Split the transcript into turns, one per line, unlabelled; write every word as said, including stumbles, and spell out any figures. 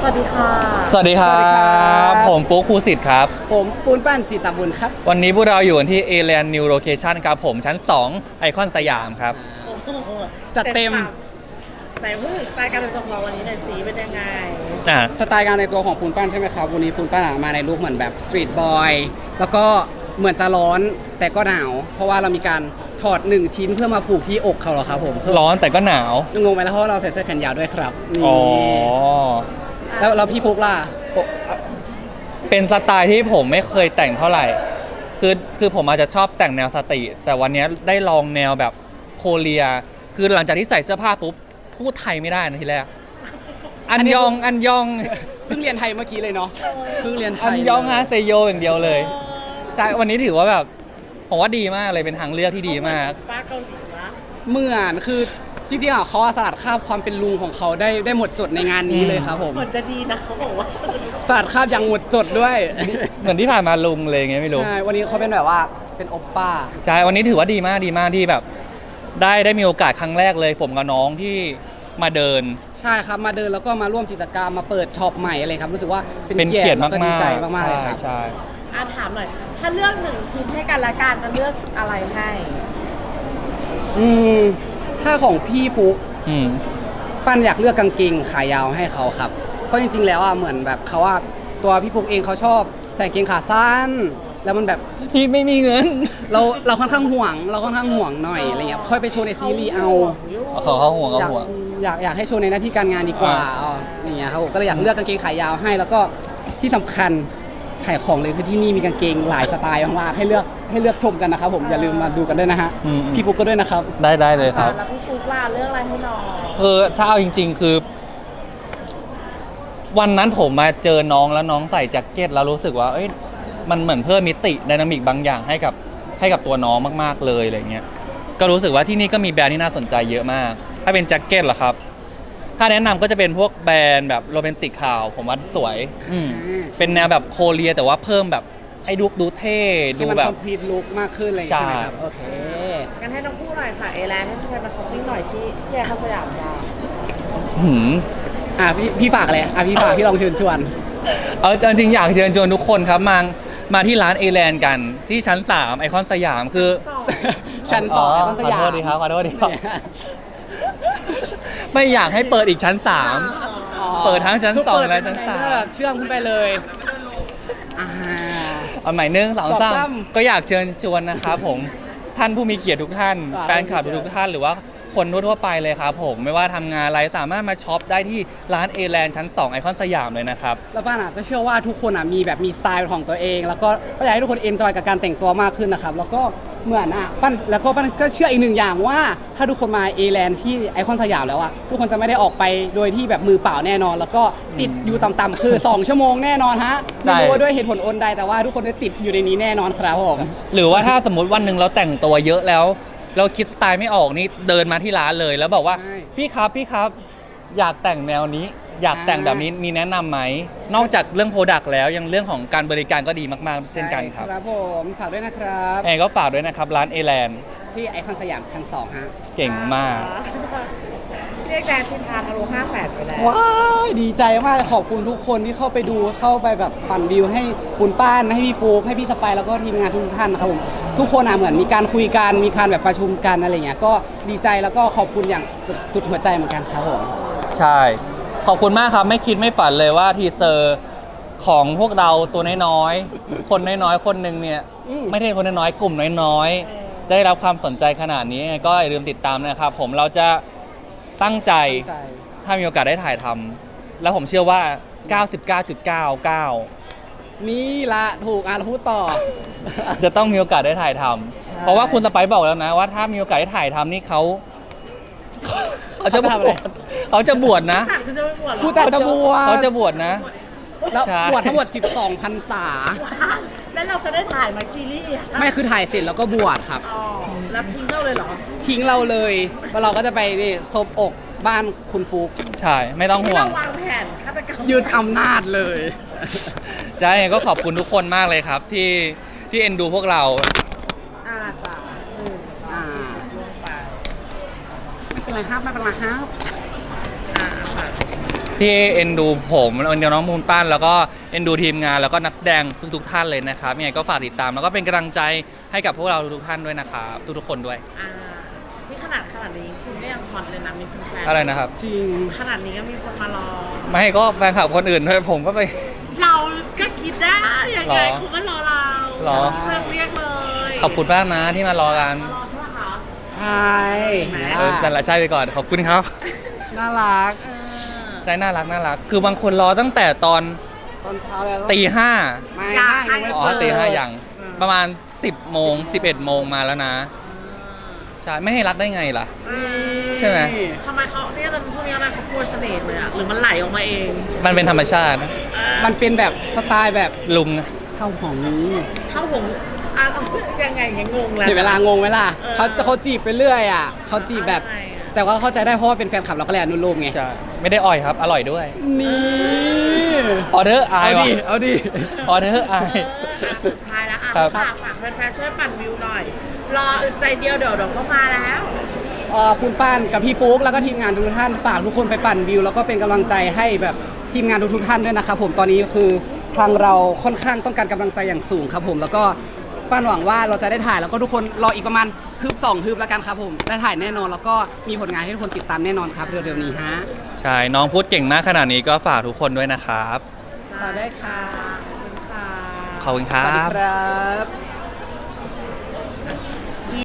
วัสดีค่ะ
สวัสดีครับผมฟุ๊กภูสิทธิ์ครับ
ผมปูนปั้นจิตตบุญครับ
วันนี้พวกเราอยู่กันที่ Alien New Location ครับผมชั้นสองไอคอนสยามครับ
จัดเต็ม
ไหนพูดสไตล์การแต่งตัวของเราวันนี้หน่อยสิเป็นยังไง
อ่า
สไตล์การแต่งตัวของปูนปั้นใช่ไหมครับวันนี้ปูนปั้นมาในลุคเหมือนแบบสตรีทบอยแล้วก็เหมือนจะร้อนแต่ก็หนาวเพราะว่าเรามีการถอดหนึ่งชิ้นเพื่อมาผูกที่อกเขาเหรอครับผม
ร้อนแต่ก็หนาว
งงไหมแล้วเพราะเราใส่เสื้อแขนยาวด้วยครับ
อ๋อ
แล้วเราพี่ฟุกล่ะ
เป็นสไตล์ที่ผมไม่เคยแต่งเท่าไหร่คือคือผมอาจจะชอบแต่งแนวสตรีทแต่วันนี้ได้ลองแนวแบบโคเรียคือหลังจากที่ใส่เสื้อผ้าปุ๊บพูดไทยไม่ได้นะทีแรกอันยองอันยอง
เพิ่งเรียนไทยเมื่อกี้เลยเนาะเพิ่งเรียนไทย
อันยองฮาเซโยอย่างเดียวเลยใช่วันนี้ถือว่าแบบผมว่าดีมากเลยเป็นทางเลือกที่ดีมาก
ป้าเกาหลีนะ
เหมือนคือจริงๆอ่ะเขาสลัดคราบความเป็นลุงของเขาได้ได้หมดจดในงานนี้เลยครับผม
เหมือนจะดีนะเขาบอกว่า
สลัดคราบอย่างหมดจดด้วย
เหมือนที่ผ่านมาลุงเลยไงไม่รู้
ใช่วันนี้เขาเป็นแบบว่าเป็นโอปป้า
ใช่วันนี้ถือว่าดีมากดีมากที่แบบได้ได้มีโอกาสครั้งแรกเลยผมกับน้องที่มาเดิน
ใช่ครับมาเดินแล้วก็มาร่วมกิจกรรมมาเปิดช็อปใหม่อะไรครับรู้สึกว่า
เป็นเกียรติมากๆ
ดีใจมากๆเลยครับ
ใช่
อาถามหน่อยถ้าเลือกหนึ่งชิ้นให้กันละกันจะเลือกอะไรให้
อืมถ้าของพี่ฟุก
อืม
ปั้นอยากเลือกกางเกงขายาวให้เขาครับเพราะจริงๆแล้วอ่ะเหมือนแบบเขาว่าตัวพี่ฟุกเองเขาชอบใส่กางเกงขาสั้นแล้วมันแบบ
พี่ไม่มีเงิน
เราเราค่อนข้างห่วงเราค่อนข้างห่วงหน่อยอะไรเงี้ยค่อยไปโชว์ในซีรีส์เอา
เขาเขาห่วงเขาห่วง
อยากอยากให้โชว์ในหน้าที่การงานดีกว่าอ๋ออย่างเงี้ยครับผมก็เลยอยากเลือกกางเกงขายาวให้แล้วก็ที่สำคัญขายของเลยคือที่นี่มีกางเกงหลายสไตล์มากๆให้เลือกให้เลือกชมกันนะครับผมอย่าลืมมาดูกันด้วยนะฮะพี่ฟุกก็ด้วยนะครับ
ได้ได้เลยครับ
แล้วพี่ฟุกล่ะเลือกอะไรให้น้อง
เออถ้าเอาจริงๆคือวันนั้นผมมาเจอน้องแล้วน้องใส่แจ็คเก็ตแล้วรู้สึกว่าเอ้ยมันเหมือนเพิ่มมิติไดนามิกบางอย่างให้กับให้กับตัวน้องมากๆเลยอะไรเงี้ยก็รู้สึกว่าที่นี่ก็มีแบรนด์ที่น่าสนใจเยอะมากถ้าเป็นแจ็คเก็ตเหรอครับถ้าแนะนำก็จะเป็นพวกแบรนด์แบบโรแมนติกข่าวผมว่าสวยเป็นแนวแบบโคเรียแต่ว่าเพิ่มแบบให้ดูดูเท่ดูแบบ
คอมพลีทลุคมากขึ้นเลยใช่ไหมครับโอเค
งั้นให้น้องพูดหน่อยค่ะเอแลนด์ให้พี่มาช้อปปิ้งหน่อยที่ที่ไอคอนสยามจ้า
หืม
อ่ะพี่พี่ฝากเลยอ่ะพี่ฝากพี่ลองเชิญชวน
เอาจริงๆอยากเชิญชวนทุกคนครับมามาที่ร้านเอแลนด์กันที่ชั้นสามไอคอนสยามคือ
ชั้นสองไอคอนสยาม
ขอโทษดีครับขอโทษดีครับไม่อยากให้เปิดอีกชั้นสามเปิดทั้งชั้นสองและชั้นสาม
เชื่อมขึ้นไปเลย
เอาใหม่หนึ่งสองสามก็อยากเชิญชวนนะครับผมท่านผู้มีเกียรติทุกท่านแฟนคลับทุกท่านหรือว่าคนทั่วๆไปเลยครับผมไม่ว่าทำงานอะไรสามารถมาช็อปได้ที่ร้านเอแลนด์ชั้นสองไอคอนสยามเลยนะครับ
แล้วป้าน่ะก็เชื่อว่าทุกคนอ่ะมีแบบมีสไตล์ของตัวเองแล้วก็อยากให้ทุกคนเอนจอยกับการแต่งตัวมากขึ้นนะครับแล้วก็เหมือนอ่ะปั้นแล้วก็ปั้นก็เชื่ออีกหนึ่งอย่างว่าถ้าทุกคนมาเอแลนด์ที่ไอคอนสยามแล้วอ่ะทุกคนจะไม่ได้ออกไปโดยที่แบบมือเปล่าแน่นอนแล้วก็ติดอยู่ต่ำๆคือสองชั่วโมงแน่นอนฮะไม่รู้ว่าด้วยเหตุผลอนใดแต่ว่าทุกคนได้ติดอยู่ในนี้แน่นอนครับผม
หรือว่าถ้าสมมติวันหนึ่งเราแต่งตัวเยอะแล้วเราคิดสไตล์ไม่ออกนี่เดินมาที่ร้านเลยแล้วบอกว่าพี่ครับพี่ครับอยากแต่งแนวนี้อยากแต่งแบบนี้มีแนะนำไหมนอกจากเรื่องโปรดักต์แล้วยังเรื่องของการบริการก็ดีมากๆเช่นกันครับ
ครับผมฝากด้วยนะครับ
เองก็ฝากด้วยนะครับร้านเอแลนด์
ที่ไอคอนสยามชั้นสองฮะ
เก่งมาก
เรียกแดนทินทานทะลุห้าแสนไปแล้ว
ว้าวดีใจมากขอบคุณทุกคนที่เข้าไปดูเข้าไปแบบปั่นวิวให้คุณป้านให้พี่ฟูกให้พี่สไปแล้วก็ทีมงานทุกท่านนะครับผมทุกคนอ่ะเหมือนมีการคุยกันมีการแบบประชุมกันอะไรเงี้ยก็ดีใจแล้วก็ขอบคุณอย่างสุดหัวใจเหมือนกันครับผม
ใช่ขอบคุณมากครับไม่คิดไม่ฝันเลยว่าทีเซอร์ของพวกเราตัวน้อยๆคนน้อยๆคนหนึ่งเนี่ยไม่ใช่คนน้อยๆกลุ่มน้อยๆได้รับความสนใจขนาดนี้ก็อย่าลืมติดตามนะครับผมเราจะตั้งใจถ้ามีโอกาสได้ถ่ายทำแล้วผมเชื่อว่า เก้าสิบเก้าจุดเก้าเก้า
นี่ละถูกอ่ะเราพูดต่อ
จะต้องมีโอกาสได้ถ่ายทำเพราะว่าคุณสไปซ์บอกแล้วนะว่าถ้ามีโอกาสได้ถ่ายทำนี่เขาเขาจะบวชเขาจะบวชนะ
ผู้จัดจะบวช
เขาจะบวชนะ
แล้วบวชทั้งหมดสิบสองพรรษา
แล้วเราจะได้ถ่ายมาซีรีส์
ไม่คือถ่ายเสร็จแล้วก็บวชครับ
อ๋อแล้วทิ้งเราเลยเหรอ
ทิ้งเราเลยแล้วเราก็จะไปนี่ซบอกบ้านคุณฟุก
ใช่ไม่ต้องห่วง
วางแผนฆาตกรรม
ยืดอำนาจเลย
ใช่ก็ขอบคุณทุกคนมากเลยครับที่ที่เอ็นดูพวกเรา
อ่าจ้ะ
อ่าไม่เป็นไรครับไม่เป็นไรครับอ่า
ที่เอ็นดูผมเอ็นดูน้องมูนปั้นแล้วก็เอ็นดูทีมงานแล้วก็นักแสดงทุกๆท่านเลยนะครับยังไงก็ฝากติดตามแล้วก็เป็นกำลังใจให้กับพวกเราทุกๆท่านด้วยนะครับทุกๆคนด้วย
อ่านี่ขนาดขนาดนี้คุณก็ยังฮอตเลยนะมีแฟนๆ
อะไรนะครับ
จริง
ขนาดนี้ก็มีคนมารอ
ไม่ก็แฟนคลับคนอื่นด้วยผมก็ไป
เราก็คิดได้ยัง
หร
ไง
อ
คุณก็รอเรา
หรอ
เรียกเรียกเลย
ขอบคุณมากนะที่มารอกัน
มารอใช่ไหมคะ
ใช่เห็นไหม
เออแต่
ล่ะ
ละใช่ไปก่อนขอบคุณครับ
น่ารัก
เออ
ใจน่ารักน่ารักคือบางคนรอตั้งแต่ตอน
ตอนเช้าแล้ว
ตีห้า
ไม่ห้างยังไม่
อ๋อ
เปิด
ตีห้าอย่างประมาณ สิบโมงสิบเอ็ดโมงมาแล้วนะใช่ไม่ให้รักได้ไงล่ะ ใช่ไหม
ทำไมเขาเนี่ยตอนช่วงนี้อะไรเขาพูดเสน่ห์เลยอะหรือมันไหลออกมาเอง
มันเป็นธรรมชาตินะ
มันเป็นแบบสไตล์แบบ
ลุง
ข้าวหอมนี้
เท่าผมอ่ะยังไงยังงงแล้ว
เดี๋ยวเวลางงไหมล่ะ
เออ
เขาจะเขาจีบไปเรื่อยอ่ะเขาจีบแบบ
ใช่อะ
แต่ว่าเข้าใจได้เพราะว่าเป็นแฟนคลับเราก็เลยอนุโลมไง
ใช่ไม่ได้อ่อยครับ อร่อยด้วย
นี่
ออเดอร์อา
เอา
ยวะ
ดิเอาดิ
ออเดอร์อาย
เอออ่ะสุดท้ายแล้วอ่ะ
ครับ
ฝากฝากแฟนๆช่วยปั่นวิวหน่อย รออึดใจเดียวเดี๋ยวเดี๋ยวก็มาแล้ว
เอ่อคุณป้านกับพี่ฟุ๊กแล้วก็ทีมงานทุกท่านฝากทุกคนไปปั่นวิว แล้วก็เป็นกำลังใจให้แบบทีมงานทุกๆท่านด้วยนะครับผมตอนนี้คือทางเราค่อนข้างต้องการกำลังใจอย่างสูงครับผมแล้วก็ป้านหวังว่าเราจะได้ถ่ายแล้วก็ทุกคนรออีกประมาณฮึบสองฮึบแล้วกันครับผมได้ถ่ายแน่นอนแล้วก็มีผลงานให้ทุกคนติดตามแน่นอนครับเร็วๆนี้ฮะ
ใช่ น้องพูดเก่งมากขนาดนี้ก็ฝากทุกคนด้วยนะครับ
ต่อได้ค่ะ
ขอบคุณค่ะ
ขอบคุณค
สวัสดี
รับ
ครับ